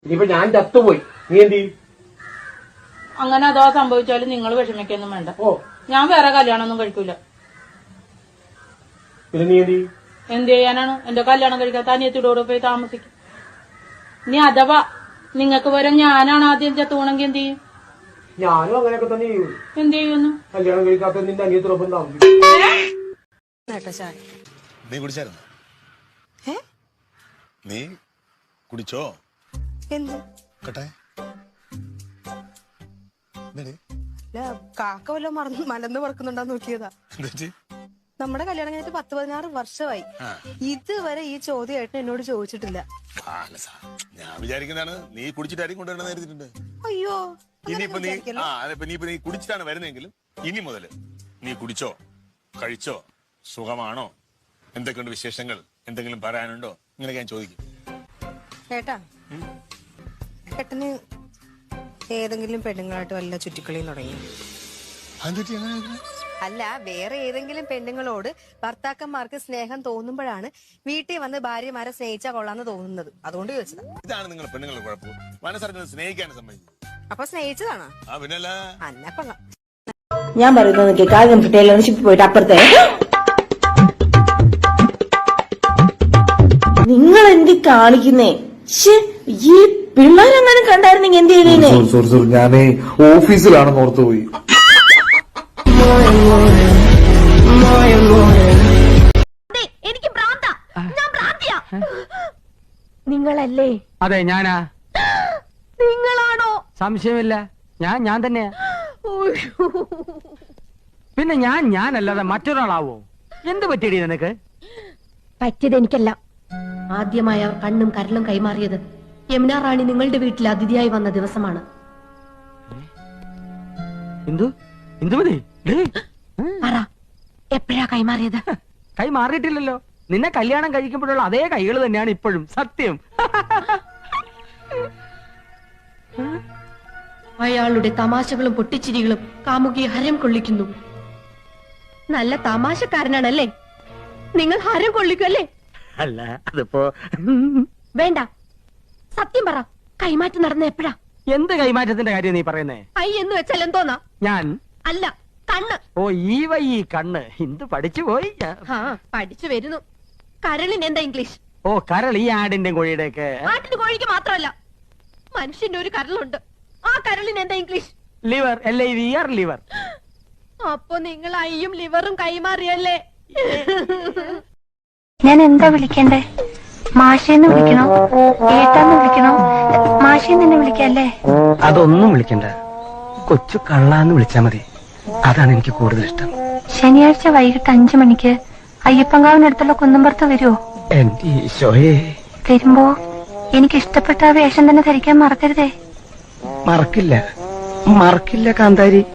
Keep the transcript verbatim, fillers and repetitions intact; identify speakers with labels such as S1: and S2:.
S1: ഇനിയിപ്പോ ഞാൻ ചത്തുപോയി, നീ എന്ത് ചെയ്യും?
S2: അങ്ങനെ അഥവാ സംഭവിച്ചാലും നിങ്ങൾ വിഷമിക്കൊന്നും വേണ്ട.
S1: ഓ,
S2: ഞാൻ വേറെ കല്യാണം ഒന്നും കഴിക്കൂല.
S1: പിന്നെ നീ എന്ത് ചെയ്യും?
S2: എന്ത് ചെയ്യാനാണ്? എന്റെ കല്യാണം കഴിക്കാത്ത അനിയത്തിയോട് പോയി താമസിക്കും. ഇനി അഥവാ നിങ്ങൾക്ക് വരെ ഞാനാണ് ആദ്യം ചത്തുപോണെങ്കിൽ എന്ത് ചെയ്യും?
S1: ഞാനും അങ്ങനെയൊക്കെ തന്നെ ചെയ്യും.
S2: എന്ത് ചെയ്യുന്നു?
S1: കല്യാണം കഴിക്കാത്ത നിന്റെ അനിയത്തിനൊപ്പം താമസിക്കും.
S3: നീ കുടിച്ചായിരുന്നു? നീ കുടിച്ചോ?
S4: എന്ത്
S3: കേട്ടെ
S4: കാക്ക വല്ല മറന്ന് മലന്ന് പറക്കുന്നുണ്ടാന്ന് നോക്കിയതാ. നമ്മുടെ കല്യാണം കഴിഞ്ഞിട്ട് പത്ത് പതിനാറ് വർഷമായി. ഇതുവരെ ഈ ചോദ്യമായിട്ട് എന്നോട് ചോദിച്ചിട്ടില്ല.
S3: ഞാൻ വിചാരിക്കുന്നതാണ് നീ കുടിച്ചിട്ടായിരിക്കും കൊണ്ടുവരണം നേരിട്ടുണ്ട്.
S4: അയ്യോ,
S3: ഇനിയിപ്പോ നീ ആ നീയിപ്പോ നീ കുടിച്ചിട്ടാണ് വരുന്നതെങ്കിലും ഇനി മുതല് നീ കുടിച്ചോ, കഴിച്ചോ, സുഖമാണോ, എന്തൊക്കെയുണ്ട് വിശേഷങ്ങൾ, എന്തെങ്കിലും പറയാനുണ്ടോ, ഇങ്ങനെയൊക്കെ ഞാൻ ചോദിക്കും.
S4: ഏട്ടാ, ഏട്ടന് ഏതെങ്കിലും പെണ്ണുങ്ങളായിട്ട് വല്ല ചുറ്റിക്കളിയും തുടങ്ങി? അല്ല, വേറെ ഏതെങ്കിലും പെണ്ണുങ്ങളോട് ഭർത്താക്കന്മാർക്ക് സ്നേഹം തോന്നുമ്പോഴാണ് വീട്ടിൽ വന്ന് ഭാര്യമാരെ സ്നേഹിച്ചാ കൊള്ളാന്ന് തോന്നുന്നത്. അതുകൊണ്ട് ചോദിച്ചതാ.
S3: ഇതാണ് നിങ്ങൾ പെണ്ണുങ്ങളുടെ കുഴപ്പം, മനസ്സറിഞ്ഞത് സ്നേഹിക്കാൻ സമ്മതിക്കും.
S4: അപ്പൊ സ്നേഹിച്ചതാണോ?
S3: ആ പിന്നല്ല.
S4: അന്ന കൊള്ളാം.
S5: ഞാൻ പറയുന്നത് കാര്യം ടൈലർഷിപ്പ് പോയിട്ട് അപ്പുറത്തെ നിങ്ങൾ എന്ത് കാണിക്കുന്നേ? ഈ പിള്ളേരെങ്ങനെ കണ്ടായിരുന്നെങ്കിൽ എന്ത് ചെയ്തേനെ?
S6: സോറി സോറി ഞാനേ ഓഫീസിലാണെന്ന് ഓർത്തു പോയി.
S7: എനിക്ക് ഭ്രാന്താ, ഞാൻ ഭ്രാന്തിയാ. നിങ്ങളല്ലേ?
S8: അതെ, ഞാനാ.
S7: നിങ്ങളാണോ?
S8: സംശയമില്ല, ഞാൻ ഞാൻ തന്നെയാ. പിന്നെ ഞാൻ ഞാനല്ലാതെ മറ്റൊരാളാവോ? എന്ത് പറ്റിയടി നിനക്ക്?
S7: പറ്റിയത് എനിക്കല്ല. ആദ്യമായി അവർ കണ്ണും കരലും കൈമാറിയത് യമുന റാണി നിങ്ങളുടെ വീട്ടിൽ അതിഥിയായി വന്ന ദിവസമാണ്.
S8: എന്തു എന്തുമതി
S7: പറ, എപ്പോഴാ കൈമാറിയത്?
S8: കൈ മാറിയിട്ടില്ലല്ലോ. നിന്നെ കല്യാണം കഴിക്കുമ്പോഴുള്ള അതേ കൈകൾ തന്നെയാണ് ഇപ്പോഴും. സത്യം.
S7: അയാളുടെ തമാശകളും പൊട്ടിച്ചിരികളും കാമുകിയെ ഹരം കൊള്ളിക്കുന്നു. നല്ല തമാശക്കാരനാണല്ലേ? നിങ്ങൾ ഹരം കൊള്ളിക്കുമല്ലേ?
S8: അല്ല, അതിപ്പോ
S7: വേണ്ട, സത്യം പറ, കൈമാറ്റം നടന്ന എപ്പോഴാ?
S8: എന്ത് കൈമാറ്റത്തിന്റെ കാര്യം നീ പറയുന്നേ?
S7: ഐ എന്ന് വെച്ചാൽ എന്തോന്നാ?
S8: ഞാൻ
S7: അല്ല, കണ്ണ്.
S8: ഓ, ഈ വൈ ഈ കണ്ണ് ഇന്ത് പഠിച്ചു പോയി.
S7: ആ, പഠിച്ചു വരുന്നു. കരളിന് എന്താ ഇംഗ്ലീഷ്?
S8: ഓ, കരൾ ഈ ആടിന്റെ കോഴിയുടെ ഒക്കെ.
S7: ആട്ടിന് കോഴിക്ക് മാത്രമല്ല, മനുഷ്യന്റെ ഒരു കരളുണ്ട്. ആ കരളിന് എന്താ English?
S8: Liver. L I V R, liver.
S7: അപ്പൊ നിങ്ങൾ ഐയും ലിവറും കൈമാറിയല്ലേ?
S9: ഞാൻ എന്താ വിളിക്കണ്ടേ? മാഷേന്ന് വിളിക്കണോ, ഏട്ടാന്ന് വിളിക്കണോ? മാഷേന്ന് തന്നെ വിളിക്കല്ലേ?
S8: അതൊന്നും വിളിക്കണ്ട, കൊച്ചു കള്ളാന്ന് വിളിച്ചാ മതി. അതാണ് എനിക്ക് കൂടുതൽ ഇഷ്ടം.
S9: ശനിയാഴ്ച വൈകിട്ട് അഞ്ചു മണിക്ക് അയ്യപ്പങ്കാവിനടുത്തുള്ള കുന്നമ്പുറത്ത് വരുമോ?
S8: എന്റെ ഈശോയെ.
S9: വരുമ്പോ എനിക്ക് ഇഷ്ടപ്പെട്ട ആ വേഷം തന്നെ ധരിക്കാൻ മറക്കരുതേ.
S8: മറക്കില്ല, മറക്കില്ല കാന്താരി.